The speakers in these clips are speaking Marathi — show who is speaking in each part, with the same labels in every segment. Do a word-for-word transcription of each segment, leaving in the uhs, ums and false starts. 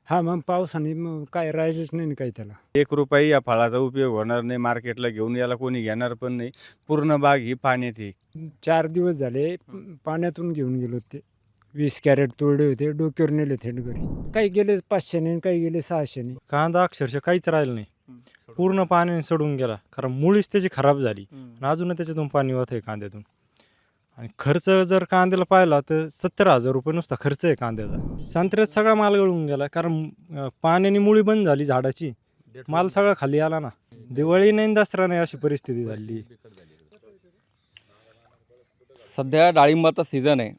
Speaker 1: हां, मग पावसाने मग काय राहिलंच नाही ना काही त्याला.
Speaker 2: एक रुपया या फळाचा उपयोग होणार नाही, मार्केटला घेऊन याला कोणी घेणार पण नाही. पूर्ण बाग ही पाण्यात आहे.
Speaker 1: चार दिवस झाले प पाण्यातून घेऊन गेलो ते. वीस कॅरेट तोडले होते, डोक्यावर नेले थेट घरी. काही गेले पाचशेने, काही गेले सहाशेने.
Speaker 3: कांदा अक्षरशः काहीच राहिलं नाही. पूर्ण पाण्याने सडून गेला, कारण मुळीच त्याची खराब झाली आणि अजून त्याच्यातून पाणी वाहत आहे कांद्यातून. आणि खर्च जर कांद्याला पाहिला तर सत्तर हजार रुपये नुसता खर्च आहे कांद्याचा. संत्र्यात सगळा माल गळून गेला, कारण अं, पाण्याने मुळी बंद झाली झाडाची, माल सगळा खाली आला ना. दिवाळी नाही दसरा नाही अशी परिस्थिती झाली.
Speaker 4: सध्या डाळिंबाचा सीझन आहे.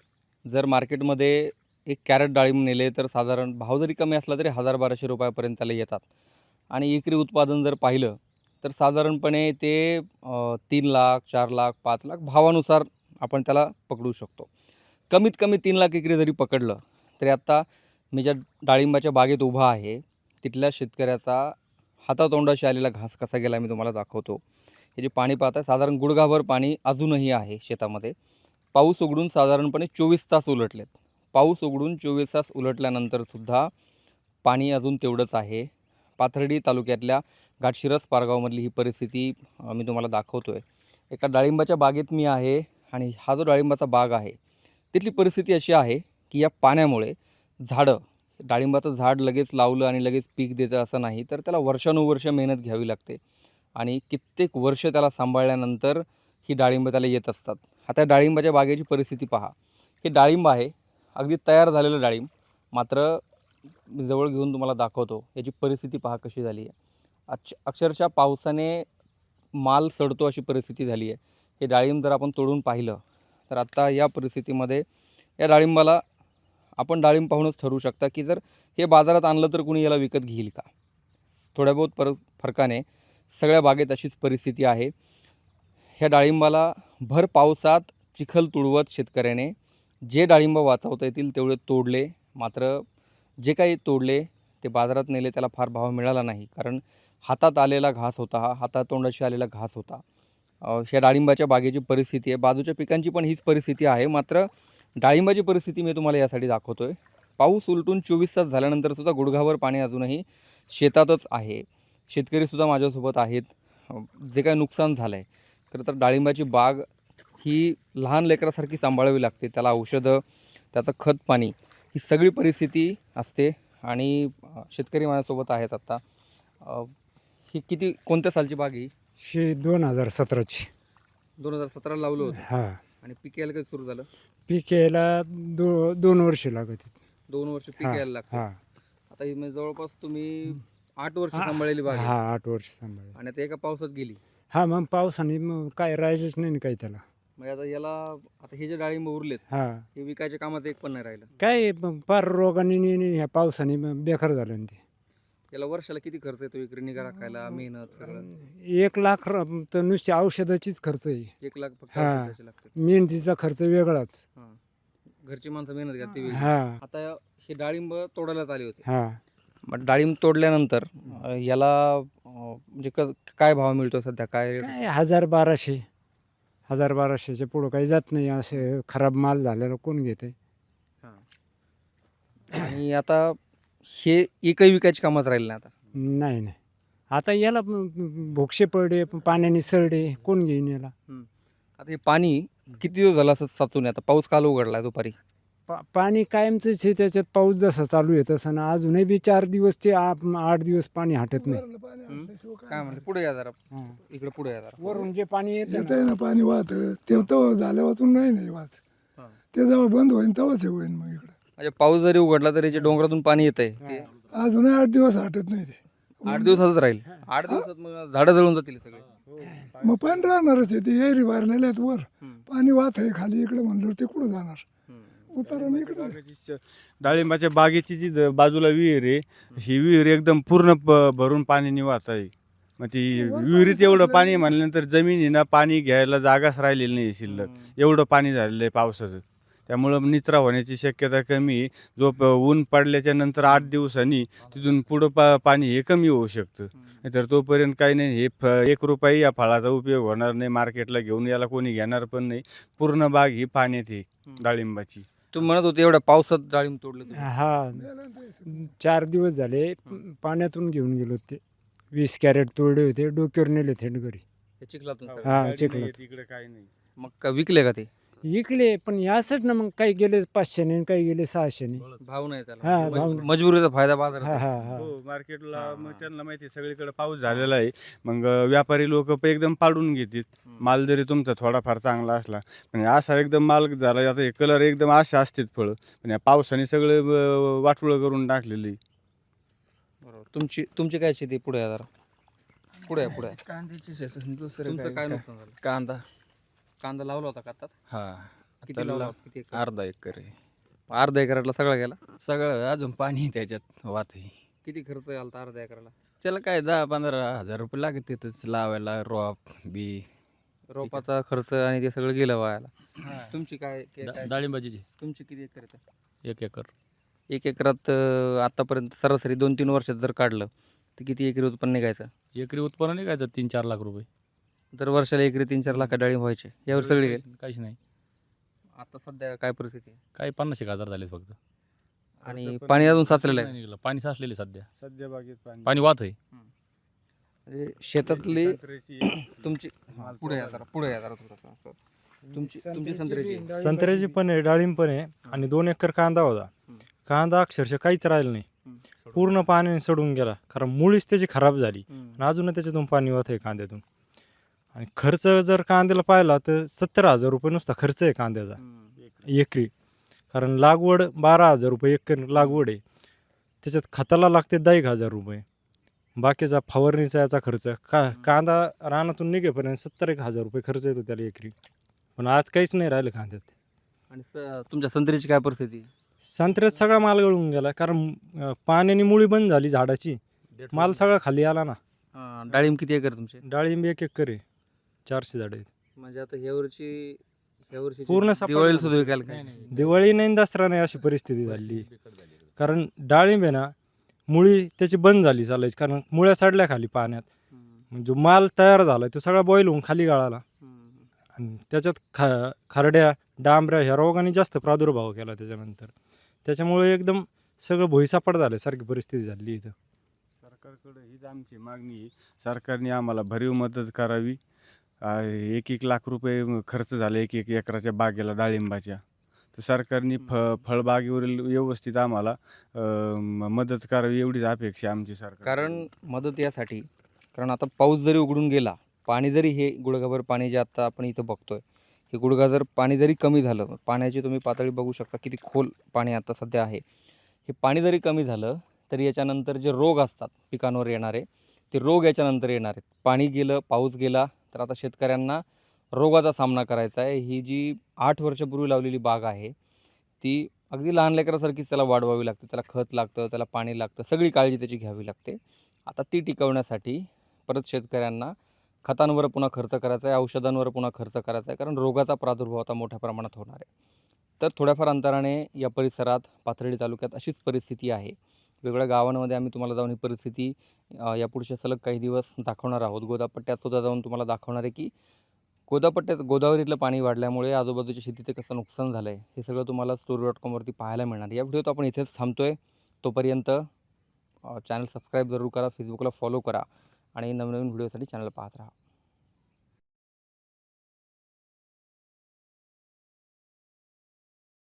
Speaker 4: जर मार्केटमध्ये एक कॅरेट डाळिंब नेले तर साधारण भाव जरी कमी असला तरी हजार बाराशे रुपयापर्यंत त्याला येतात. आणि एकरी उत्पादन जर पाहिलं तर साधारणपणे ते अ, तीन लाख चार लाख पाच लाख भावानुसार आपण त्याला पकडू शकतो. कमीत कमी तीन लाख एकरी जरी पकडलं तरी आत्ता मी ज्या डाळिंबाच्या बागेत उभा आहे तिथल्या शेतकऱ्याचा हातातोंडाशी आलेला घास कसा गेला मी तुम्हाला दाखवतो. हे जे पाणी पाहताय साधारण गुडघाभर पाणी अजूनही आहे शेतामध्ये. पाऊस उघडून साधारणपणे चोवीस तास उलटलेत. पाऊस उघडून चोवीस तास उलटल्यानंतरसुद्धा पाणी अजून तेवढंच आहे. पाथर्डी तालुक्यातल्या घाटशिरस पारगावमधली ही परिस्थिती अ, मी तुम्हाला दाखवतो आहे. एका डाळिंबाच्या बागेत मी आहे आणि हा जो डाळिंबाचा बाग आहे तिथली परिस्थिती अशी आहे की या पाण्यामुळे झाडं डाळिंबाचं झाड लगेच लावलं आणि लगेच पीक देतं असं नाही, तर त्याला वर्षानुवर्ष मेहनत घ्यावी लागते आणि कित्येक वर्ष त्याला सांभाळल्यानंतर ही डाळिंब त्याला येत असतात. आता या डाळिंबाच्या बागेची परिस्थिती पहा. हे डाळिंब आहे, अगदी तयार झालेलं डाळिंब, मात्र मी जवळ घेऊन तुम्हाला दाखवतो याची परिस्थिती पहा कशी झाली आहे. अक्ष अक्षरशः पावसाने माल सडतो अशी परिस्थिती झाली आहे. हे डाळिंब जर आपण तोडून पाहिलं तर आत्ता या परिस्थितीमध्ये या डाळिंबाला आपण डाळिंब पाहूनच ठरवू शकता की जर हे बाजारात आणलं तर कुणी याला विकत घेईल का. थोड्या बहुत पर फरकाने सगळ्या बागेत अशीच परिस्थिती आहे. ह्या डाळिंबाला भर पावसात चिखल तुडवत शेतकऱ्याने जे डाळिंब वाचवता येतील तेवढे तोडले, मात्र जे काही तोडले ते बाजारात नेले त्याला फार भाव मिळाला नाही, कारण हातात आलेला घास होता हा, हातातोंडाशी आलेला घास होता. अ, ह्या डाळिंबाच्या बागेची परिस्थिती आहे. बाजूच्या पिकांची पण हीच परिस्थिती आहे, मात्र डाळिंबाची परिस्थिती मी तुम्हाला यासाठी दाखवतो आहे. पाऊस उलटून चोवीस तास झाल्यानंतरसुद्धा गुडघाभर पाणी अजूनही शेतातच आहे. शेतकरीसुद्धा माझ्यासोबत आहेत. अ, जे काही नुकसान झालं आहे, खरं तर डाळिंबाची बाग ही लहान लेकरासारखी सांभाळावी लागते. त्याला औषधं, त्याचं खत पाणी ही सगळी परिस्थिती असते आणि अ, शेतकरी माझ्यासोबत आहेत आत्ता. अ, ही किती कोणत्या सालची बाग ही?
Speaker 1: शे दोन हजार सतराची.
Speaker 4: दोन हजार सतराला लावलं होतं
Speaker 1: हां.
Speaker 4: आणि पीक यायला कधी सुरू झालं?
Speaker 1: पीक यायला दो दोन वर्ष लागत आहेत.
Speaker 4: दोन वर्ष पीक
Speaker 1: हां,
Speaker 4: यायला लागतं.
Speaker 1: हां.
Speaker 4: आता ही म्हणजे जवळपास तुम्ही आठ वर्ष
Speaker 1: हां,
Speaker 4: सांभाळलेली बाग आहे
Speaker 1: हां, आठ वर्ष सांभाळले.
Speaker 4: आणि आता एका पावसात गेली.
Speaker 1: हां, मग पावसाने मग काय राहिलंच नाही ना काही त्याला.
Speaker 4: म्हणजे आता याला आता हे जे डाळिंब उरलेत
Speaker 1: हां.
Speaker 4: हे विकायच्या कामात एक पण नाही राहिलं.
Speaker 1: काय प- फार रोगाने नि- नि- ह्या पावसाने मग बेकार झालं ना ते.
Speaker 4: याला वर्षाला किती खर्च येतो इकडे निगा राखायला, मेहनत सगळं?
Speaker 1: एक लाख र- तर नुसती औषधाचीच खर्च आहे.
Speaker 4: एक लाख फक्त
Speaker 1: हां.
Speaker 4: औषधाचे लागतात.
Speaker 1: मेहनतीचा खर्च वेगळाच.
Speaker 4: हां. घरची माणसं मेहनत घ्या ती वेगळी.
Speaker 1: हां,
Speaker 4: आता हे डाळिंब तोडायला आले होते.
Speaker 1: हां.
Speaker 4: मग डाळिंब तोडल्यानंतर अ, याला अ, म्हणजे क काय भाव मिळतो सध्या, काय रेट?
Speaker 1: काय हजार बाराशे हजार बाराशेच्या पुढं काही जात नाही. असे खराब माल झालेला कोण घेते.
Speaker 4: आणि आता हे एकही विकायची कामात राहिलं नाही आता.
Speaker 1: नाही नाही आता याला प- प- भोक्षे पडे पाण्याने सरडे कोण घेईन याला.
Speaker 4: आता हे पाणी किती दिवस झाला असं साचून आहे? आता पाऊस काल उघडला दुपारी.
Speaker 1: पा पाणी कायमचंच आहे त्याच्यात. पाऊस जसा चालू आहे तसं ना अजूनही बी चार दिवस ते आ- आठ दिवस पाणी हटत नाही.
Speaker 4: काय म्हणते पुढे या जरा,
Speaker 1: हां.
Speaker 4: इकडे पुढे या जरा.
Speaker 1: वरून जे पाणी येतं
Speaker 5: येत आहे ना पाणी वाहत ते तो झाल्या वाचून नाही नाही वाच
Speaker 4: हां.
Speaker 5: ते जेव्हा बंद होईन तेव्हाच हे होईन मग इकडं.
Speaker 4: म्हणजे पाऊस जरी उघडला तरी जे डोंगरातून पाणी येत आहे ते
Speaker 5: अजूनही आठ दिवस हटत नाही ते.
Speaker 4: आठ दिवसातच राहील. आठ दिवसात मग झाडं जळून जातील सगळे.
Speaker 5: मग पाणी राहणारच आहे ते एरी भरलेले आहेत वर
Speaker 4: हम्म.
Speaker 5: पाणी वाहत आहे खाली इकडे म्हणलं ते कुठं जाणार
Speaker 4: हम्म.
Speaker 5: उतारा इकडे
Speaker 2: बागेची श- डाळिंबाच्या बागेची जी ज- बाजूला विहीर आहे, ही विहीर एकदम पूर्ण प- भरून पाणी वाहत आहे. मग ती विहिरीत एवढं पाणी म्हणल्यानंतर जमिनीनं पाणी घ्यायला जागाच राहिलेली नाही शिल्लक. एवढं पाणी झालेलं आहे पावसाचं. त्यामुळं निचरा होण्याची शक्यता कमी आहे. जो प- ऊन पडल्याच्या नंतर आठ दिवसांनी तिथून पुढं पा पाणी हे कमी होऊ शकतं. नाहीतर तोपर्यंत काही नाही. हे फ एक रुपया या फळाचा उपयोग होणार नाही, मार्केटला घेऊन याला कोणी घेणार पण नाही. पूर्ण बाग ही पाण्यात आहे डाळिंबाची.
Speaker 4: तुम्ही म्हणत होते एवढ्या पावसात डाळिंब तोडले तुम्ही.
Speaker 1: हा चार दिवस झाले पाण्यातून घेऊन गेलो ते वीस कॅरेट तोडले होते डोक्यावर नेले थेट घरी.
Speaker 4: हे चिखलातून सगळं.
Speaker 1: हा,
Speaker 2: गाडी
Speaker 1: चिखलात.
Speaker 2: नाही आहे तिकडे काही नाही.
Speaker 4: मग का विकले का ते
Speaker 1: इकले पण यासच ना मग काही गेले पाचशेने काही गेले सहाशेने.
Speaker 4: भाव नाही
Speaker 1: हा,
Speaker 4: त्याला
Speaker 1: भाव
Speaker 4: मज-
Speaker 1: नाही.
Speaker 4: मजबुरीचा फायदा बाजार
Speaker 1: हा हा हा
Speaker 2: हो मार्केटला
Speaker 4: हा,
Speaker 2: मग
Speaker 4: हा.
Speaker 2: त्यांना माहिती आहे सगळीकडे पाऊस झालेला आहे. मग अं, व्यापारी लोक एकदम पाडून घेतात माल जरी तुमचा थोडाफार चांगला असला. पण असा एकदम माल झाला आता हे कलर एकदम असे असतात फळं पण या पावसाने सगळे अं, वाटोळं करून टाकलेली.
Speaker 4: बरोबर. तुमची तुमची काय शेती पुढे आहे जरा पुढे आहे, पुढे आहे.
Speaker 6: कांद्याची शेती दुसरं
Speaker 4: तुमचं काय
Speaker 6: काय
Speaker 4: नुकसान झालं?
Speaker 6: कांदा
Speaker 4: कांदा लावला होता का आता
Speaker 6: हा
Speaker 4: किती
Speaker 6: आता
Speaker 4: लावला
Speaker 6: ला-
Speaker 4: होता? किती एकर?
Speaker 6: अर्धा एकर आहे
Speaker 4: अर्धा एकरातला सगळा गेला.
Speaker 6: सगळं अजून पाणी आहे त्याच्यात वात आहे.
Speaker 4: किती खर्च आला होता अर्धा एकराला?
Speaker 6: त्याला काय दहा पंधरा हजार रुपये लागत तिथंच लावायला रोप बी
Speaker 4: रोपाचा खर्च आणि ते सगळं गेलं वायाला. तुमची काय काय- काय-
Speaker 7: डाळिंबाची
Speaker 4: तुमची किती एकर आहे?
Speaker 7: एक एकर
Speaker 4: एक एकरात अं, आतापर्यंत सरासरी दोन तीन वर्षात जर काढलं तर किती एकरी उत्पन्न निघायचं?
Speaker 7: एकरी उत्पन्न निघायचं तीन चार लाख रुपये.
Speaker 4: दर वर्षाला एकरी तीन चार लाख डाळिंब व्हायचे. यावर सगळी गेली.
Speaker 7: काहीच नाही,
Speaker 4: आता सध्या काय परिस्थिती आहे?
Speaker 7: काही पन्नास एक हजार झाले फक्त.
Speaker 4: आणि
Speaker 2: खर्च पण
Speaker 4: पाणी अजून साचलेलं
Speaker 7: नाही
Speaker 4: आहे.
Speaker 7: निघालं. पाणी साचलेले सध्या,
Speaker 2: सध्या बागेत पाणी
Speaker 7: पाणी वाहत आहे.
Speaker 4: म्हणजे शेतातली
Speaker 2: संत्र्याची
Speaker 4: तुमची हा, पुढे या जरा पुढे या जरा थोडंसं. तुमची तुमची संत्र्याची
Speaker 3: संत्र्याची पण आहे डाळिंब पण आहे आणि दोन एकर कांदा होता.
Speaker 4: हम्म.
Speaker 3: कांदा अक्षरशः काहीच राहिलं नाही,
Speaker 4: हम्म.
Speaker 3: पूर्ण पाण्याने सडून गेला कारण मुळीच त्याची खराब झाली
Speaker 4: हम्म.
Speaker 3: आणि अजून त्याच्यातून पाणी वाहत आहे कांद्यातून. आणि खर्च जर कांद्याला पाहिला तर सत्तर हजार रुपये नुसता खर्च आहे कांद्याचा
Speaker 4: हम्म.
Speaker 3: एकरी. कारण लागवड बारा हजार रुपये एकर लागवड आहे, त्याच्यात खताला लागते दहा एक हजार रुपये, बाकीचा फवारणीचा याचा खर्च का कांदा रानातून निघेपर्यंत सत्तर एक हजार रुपये खर्च येतो त्याला एकरी. पण आज काहीच नाही राहिलं कांद्यात.
Speaker 4: आणि स- तुमच्या संत्र्याची काय परिस्थिती?
Speaker 3: संत्र्यात सगळा माल गळून गेला कारण अं, पाण्याने मुळी बंद झाली झाडाची, माल सगळा खाली आला ना.
Speaker 4: हा, डाळिंब किती एकर तुमचे?
Speaker 3: डाळिंब एक एकर आहे, चारशे झाड आहेत.
Speaker 4: म्हणजे आता ह्या वर्षी ह्या वर्षी
Speaker 3: पूर्ण सपाट
Speaker 4: दिवाळीला
Speaker 3: झालं.
Speaker 4: सुद्धा विकायला काय?
Speaker 3: दिवाळी नाही आणि दसरा नाही अशी परिस्थिती झाली. कारण डाळिंब आहे ना मुळी त्याची बंद झाली चालायची कारण मुळ्या सडल्या खाली पाण्यात.
Speaker 4: हम्म.
Speaker 3: मग जो माल तयार झाला तो सगळा बॉईल होऊन खाली गाळाला
Speaker 4: हम्म.
Speaker 3: आणि त्याच्यात खा खरड्या डांबऱ्या ह्या रोगाने जास्त प्रादुर्भाव केला त्याच्यानंतर. त्याच्यामुळे एकदम सगळं भुईसापाट झालं सारखी परिस्थिती झाली इथं.
Speaker 2: सरकारकडे हीच आमची मागणी आहे. सरकारने आम्हाला भरीव मदत करावी. आ, एक एक लाख रुपये म- खर्च झाला एक एक एकराच्या बागेला डाळिंबाच्या. तर सरकारने फ फळबागेवरील व्यवस्थित आम्हाला अ, म- मदत करावी एवढीच अपेक्षा आमची सरकार.
Speaker 4: कारण मदत यासाठी कारण आता पाऊस जरी उघडून गेला, पाणी जरी हे गुडघाभर पाणी जे आता आपण इथं बघतोय हे गुडघा जर पाणी जरी कमी झालं, पाण्याची तुम्ही पातळी बघू शकता किती खोल पाणी आता सध्या आहे. हे पाणी जरी कमी झालं तरी याच्यानंतर जे रोग असतात पिकांवर येणारे ते रोग याच्यानंतर येणार आहेत. पाणी गेलं, पाऊस गेला तर आता शेतकऱ्यांना रोगाचा सामना करायचा आहे. ही जी आठ वर्षापूर्वी लावलेली बाग आहे ती अगदी लहान लेकरासारखीच त्याला वाढवावी लागते. त्याला खत लागतं, त्याला पाणी लागतं, सगळी काळजी त्याची घ्यावी लागते. आता ती टिकवण्यासाठी परत शेतकऱ्यांना खतांवर पुन्हा खर्च करायचा आहे, औषधांवर पुन्हा खर्च करायचा आहे, कारण रोगाचा प्रादुर्भाव आता मोठ्या प्रमाणात होणार आहे. तर थोड्याफार अंतराने या परिसरात पाथर्डी तालुक्यात अशीच परिस्थिती आहे. वेगवेगळ्या गावांमध्ये आम्ही तुम्हाला जाऊन ही परिस्थिती अ, या पुढचे सलग काही दिवस दाखवणार आहोत. गोदापट्ट्यात सुद्धा जाऊन तुम्हाला दाखवणार आहे की गोदापट्ट्यात गोदावरीतलं पाणी वाढल्यामुळे आजूबाजूच्या शेतीचं कसं नुकसान झालं आहे हे सगळं तुम्हाला स्टोरी डॉट कॉमवरती पाहायला मिळणार. या व्हिडिओत आपण इथेच थांबतो आहे. तोपर्यंत चॅनल सबस्क्राईब जरूर करा, फेसबुकला फॉलो करा आणि नवनवीन व्हिडिओसाठी चॅनल पाहत राहा.